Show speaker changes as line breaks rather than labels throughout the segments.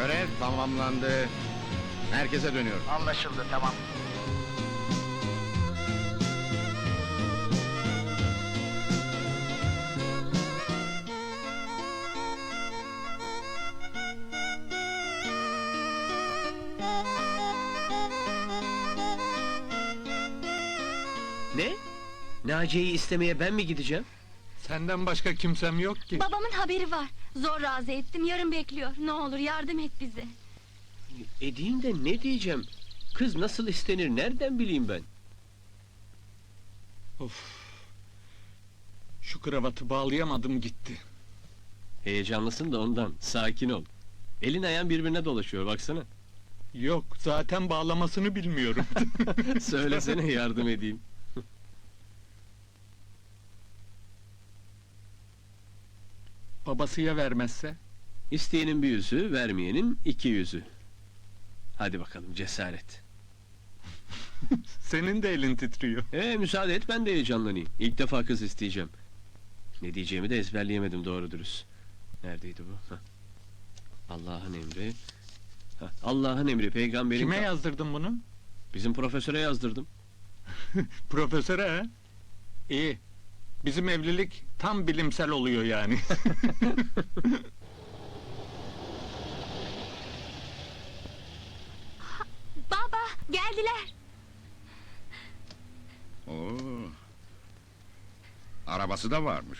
Görev tamamlandı. Merkeze dönüyorum.
Anlaşıldı, tamam.
Ne? Naciye'yi istemeye ben mi gideceğim?
Senden başka kimsem yok ki.
Babamın haberi var. Zor razı ettim, yarın bekliyor. Ne olur yardım et bize.
Edeyim de ne diyeceğim? Kız nasıl istenir nereden bileyim ben?
Of. Şu kravatı bağlayamadım gitti.
Heyecanlısın da ondan, sakin ol. Elin ayağın birbirine dolaşıyor baksana.
Yok, zaten bağlamasını bilmiyorum.
Söylesene yardım edeyim.
Babası ya vermezse?
İsteyenin bir yüzü, vermeyenin iki yüzü. Hadi bakalım cesaret.
Senin de elin titriyor.
Müsaade et ben de heyecanlanayım. İlk defa kız isteyeceğim. Ne diyeceğimi de ezberleyemedim doğru dürüst. Neredeydi bu? Hah. Allah'ın emri. Hah, Allah'ın emri peygamberin...
Kime yazdırdın bunu?
Bizim profesöre yazdırdım.
Profesöre ha? İyi. Bizim evlilik tam bilimsel oluyor yani.
Baba, geldiler.
Oo. Arabası da varmış.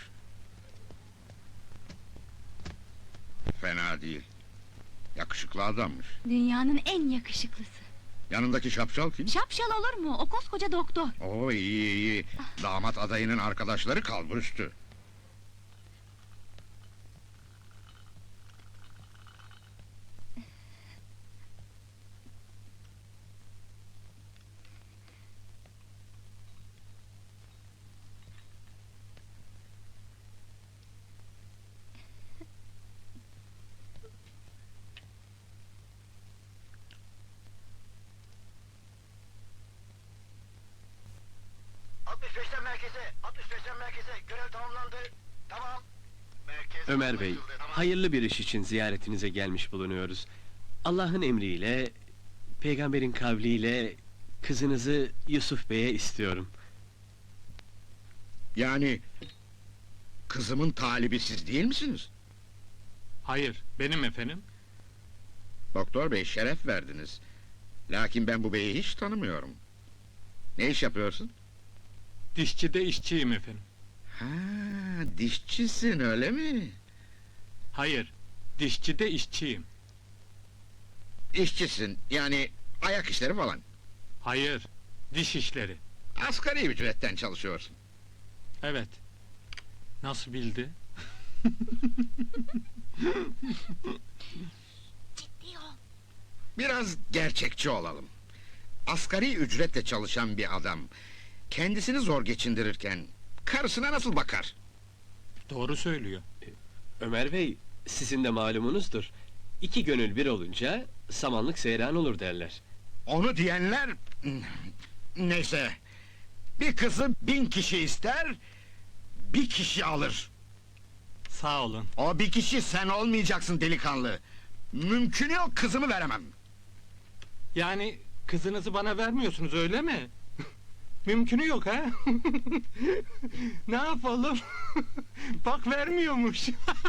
Fena değil. Yakışıklı adammış.
Dünyanın en yakışıklısı.
Yanındaki şapşal kim?
Şapşal olur mu? O koskoca doktor.
Oo, iyi iyi. Damat adayının arkadaşları kalburüstü.
Merkeze, 65'ten merkeze. Görev tamamlandı. Tamam. Merkez
Ömer Bey,
anlaşıldı, tamam.
hayırlı bir iş için ziyaretinize gelmiş bulunuyoruz. Allah'ın emriyle, peygamberin kavliyle kızınızı Yusuf Bey'e istiyorum.
Yani... Kızımın talibi siz değil misiniz?
Hayır, benim efendim.
Doktor bey şeref verdiniz. Lakin ben bu beyi hiç tanımıyorum. Ne iş yapıyorsun?
Dişçide işçiyim efendim.
Ha, dişçisin öyle mi?
Hayır, dişçide işçiyim.
İşçisin, yani ayak işleri falan.
Hayır, diş işleri.
Asgari ücretten çalışıyorsun.
Evet. Nasıl bildi?
Ciddi ol.
Biraz gerçekçi olalım. Asgari ücretle çalışan bir adam... ...kendisini zor geçindirirken... ...karısına nasıl bakar?
Doğru söylüyor.
Ömer Bey, sizin de malumunuzdur. İki gönül bir olunca samanlık seyran olur derler.
Onu diyenler... Neyse... ...bir kızı 1000 kişi ister... ...bir kişi alır.
Sağ olun.
O bir kişi sen olmayacaksın delikanlı. Mümkün yok, kızımı veremem.
Yani kızınızı bana vermiyorsunuz öyle mi? Mümkünü yok ha? Ne yapalım? Bak vermiyormuş.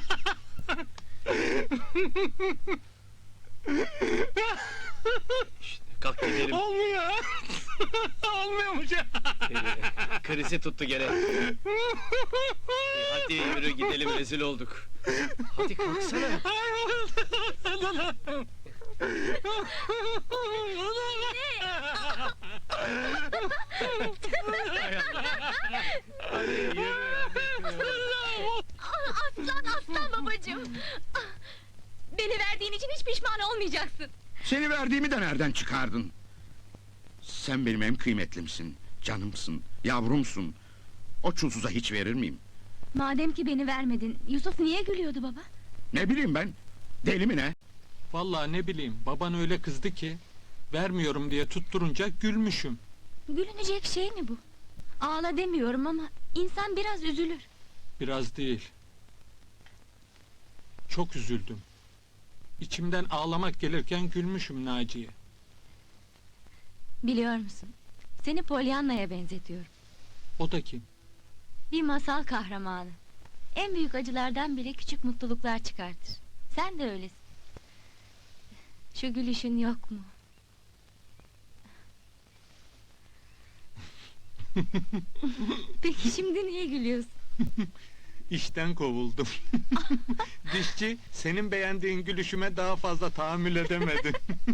Kalk gidelim.
Olmuyor. Olmuyormuş.
Krizi tuttu gene. Hadi yürü gidelim, rezil olduk. Hadi kalksana. Hadi yürü.
Aslan babacığım. Beni verdiğin için hiç pişman olmayacaksın.
Seni verdiğimi de nereden çıkardın? Sen benim en kıymetlimsin, canımsın, yavrumsun. O çulsuza hiç verir miyim?
Madem ki beni vermedin, Yusuf niye gülüyordu baba?
Ne bileyim ben, deli mi ne?
Vallahi ne bileyim, baban öyle kızdı ki... ...vermiyorum diye tutturunca gülmüşüm.
Gülünecek şey mi bu? Ağla demiyorum ama insan biraz üzülür.
Biraz değil. Çok üzüldüm. İçimden ağlamak gelirken gülmüşüm Naciye.
Biliyor musun? Seni Pollyanna'ya benzetiyorum.
O da kim?
Bir masal kahramanı. En büyük acılardan bile küçük mutluluklar çıkartır. Sen de öylesin. Şu gülüşün yok mu? Peki şimdi niye gülüyorsun?
İşten kovuldum. Dişçi, senin beğendiğin gülüşüme daha fazla tahammül edemedi.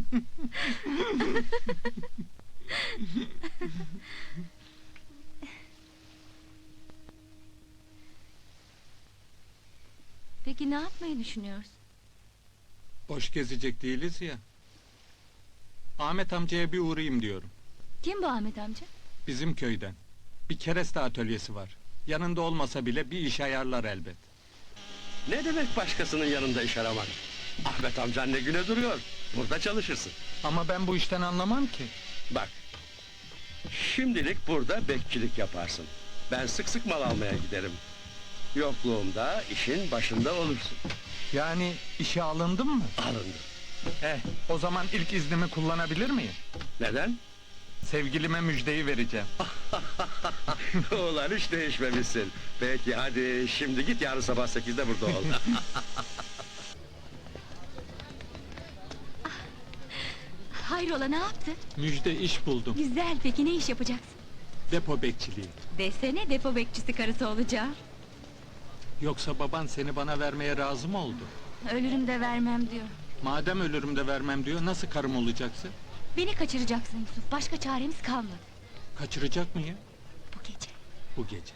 Peki ne yapmayı düşünüyorsun?
Boş gezecek değiliz ya. Ahmet amcaya bir uğrayayım diyorum.
Kim bu Ahmet amca?
Bizim köyden. Bir kereste atölyesi var. Yanında olmasa bile bir iş ayarlar elbet.
Ne demek başkasının yanında iş aramak? Ahmet amcan ne güne duruyor. Burada çalışırsın.
Ama ben bu işten anlamam ki.
Bak. Şimdilik burada bekçilik yaparsın. Ben sık sık mal almaya giderim. Yokluğumda işin başında olursun.
Yani işe alındın mı?
Alındı.
O zaman ilk iznimi kullanabilir miyim?
Neden?
Sevgilime müjdeyi vereceğim.
Ulan hiç değişmemişsin. Peki hadi şimdi git, yarın sabah 8'de burada ol.
Hayrola ne yaptın?
Müjde iş buldum.
Güzel, peki ne iş yapacaksın?
Depo bekçiliği.
Desene depo bekçisi karısı olacağım.
Yoksa baban seni bana vermeye razı mı oldu?
Ölürüm de vermem diyor.
Madem ölürüm de vermem diyor, nasıl karım olacaksın?
Beni kaçıracaksın Yusuf, başka çaremiz kalmadı.
Kaçıracak mıyım?
Bu gece.
Bu gece.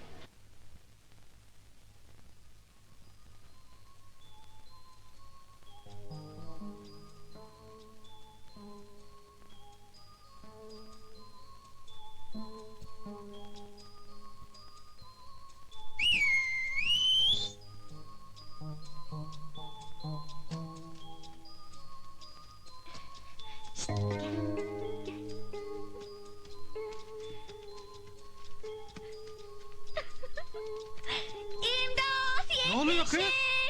İmdat!
Ne oluyor kız?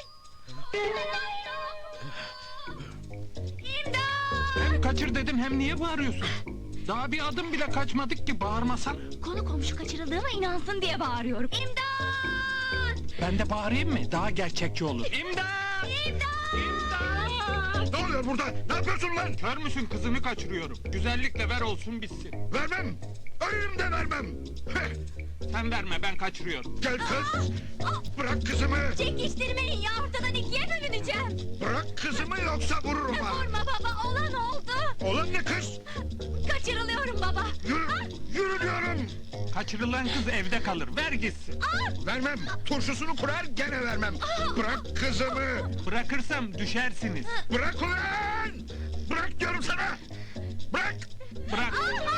İmdat!
Hem kaçır dedim, hem niye bağırıyorsun? Daha bir adım bile kaçmadık ki, bağırmasan.
Konu komşu kaçırıldığıma inansın diye bağırıyorum. İmdat!
Ben de bağırayım mı? Daha gerçekçi olur. İmdat!
Ne oluyor burada? Ne yapıyorsun lan?
Kör müsün, kızını kaçırıyorum. Güzellikle ver olsun bitsin.
Vermem! Ölürüm de vermem! Heh,
Sen verme, ben kaçırıyorum.
gel kız! Bırak kızımı!
Çekiştirmeyin ya, ortadan ikiye bölüneceğim.
Bırak kızımı yoksa vururum ha!
Vurma baba, olan oldu.
Olan ne kız?
Kaçırılıyorum baba.
Yürü! Yürü diyorum!
Kaçırılan kız evde kalır, ver gitsin.
Vermem! Turşusunu kurar gene vermem! Bırak kızımı!
Bırakırsam düşersiniz.
Bırak ulan! Bırak diyorum sana! Bırak!
Bırak.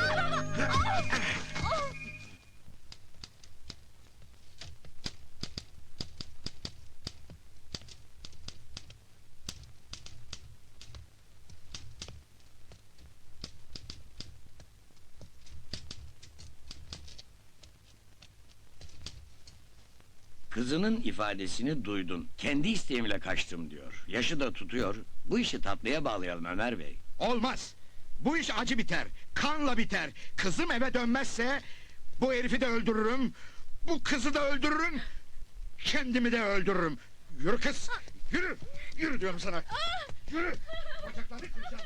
Kızının ifadesini duydun. Kendi isteğimle kaçtım diyor. Yaşı da tutuyor. Bu işi tatlıya bağlayalım Ömer Bey.
Olmaz! Bu iş acı biter, kanla biter. Kızım eve dönmezse bu herifi de öldürürüm, bu kızı da öldürürüm, kendimi de öldürürüm. Yürü kız, yürü! Yürü diyorum sana! Yürü! Bacaklarını kıracağım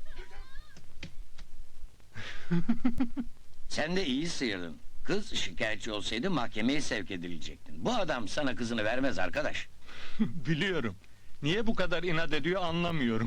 seni!
Sen de iyi sıyırdın. Kız şikayetçi olsaydı mahkemeye sevk edilecektin. Bu adam sana kızını vermez arkadaş.
Biliyorum. Niye bu kadar inat ediyor anlamıyorum.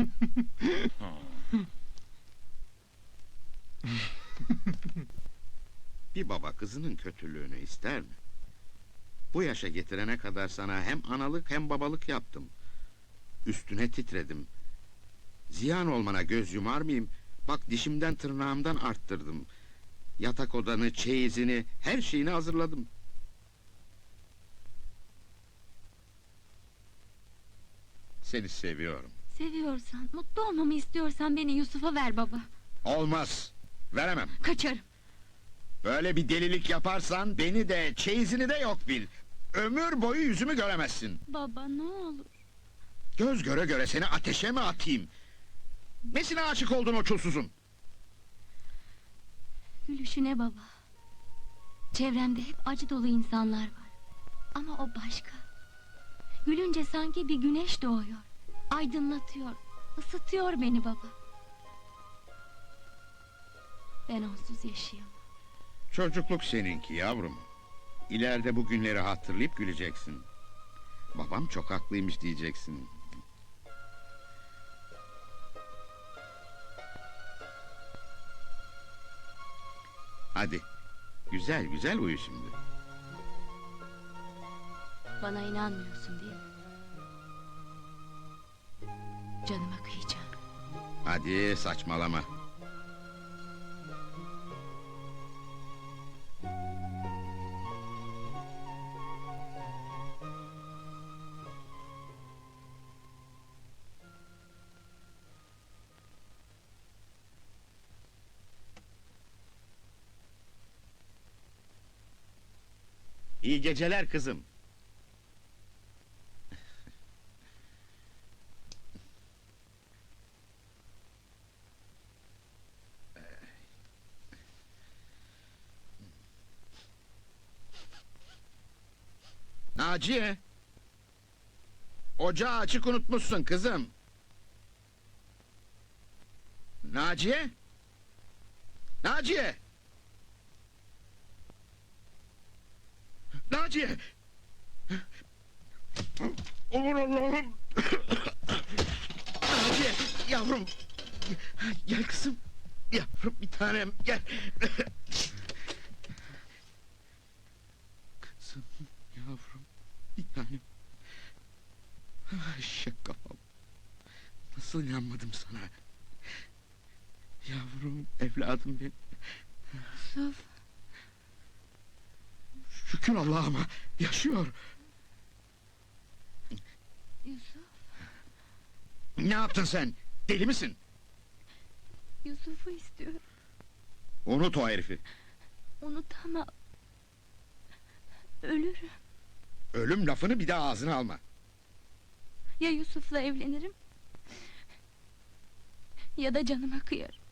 Bir baba kızının kötülüğünü ister mi? Bu yaşa getirene kadar sana hem analık hem babalık yaptım. Üstüne titredim. Ziyan olmana göz yumar mıyım? Bak dişimden tırnağımdan arttırdım. Yatak odanı, çeyizini, her şeyini hazırladım. Seni seviyorum.
Seviyorsan, mutlu olmamı istiyorsan beni Yusuf'a ver baba.
Olmaz. Veremem.
Kaçarım.
Böyle bir delilik yaparsan beni de çeyizini de yok bil. Ömür boyu yüzümü göremezsin.
Baba ne olur.
Göz göre göre seni ateşe mi atayım? Nesine aşık oldun o çulsuzun?
Gülüşüne baba. Çevremde hep acı dolu insanlar var. Ama o başka. Gülünce sanki bir güneş doğuyor. Aydınlatıyor, ısıtıyor beni baba. Ben onsuz yaşayamam.
Çocukluk seninki yavrum. İleride bu günleri hatırlayıp güleceksin. Babam çok haklıymış diyeceksin. Hadi, güzel güzel uyu şimdi.
Bana inanmıyorsun değil mi? Canıma kıyacağım.
Hadi saçmalama. İyi geceler kızım. Naciye! Ocağı açık unutmuşsun kızım. Naciye! Naciye! Naciye! Aman Allah'ım! Naciye, yavrum! Gel kızım! Yavrum bir tanem, gel! Kızım, yavrum, bir tanem! Eşek kafam! Nasıl inanmadım sana? Yavrum, evladım benim!
Yusuf,
Şükür Allah'ıma, yaşıyor!
Yusuf,
Ne yaptın sen? Deli misin?
Yusuf'u istiyorum.
Unut o herifi!
Unutamam. Ölürüm.
Ölüm lafını bir daha ağzına alma!
Ya Yusuf'la evlenirim... ...ya da canıma kıyarım.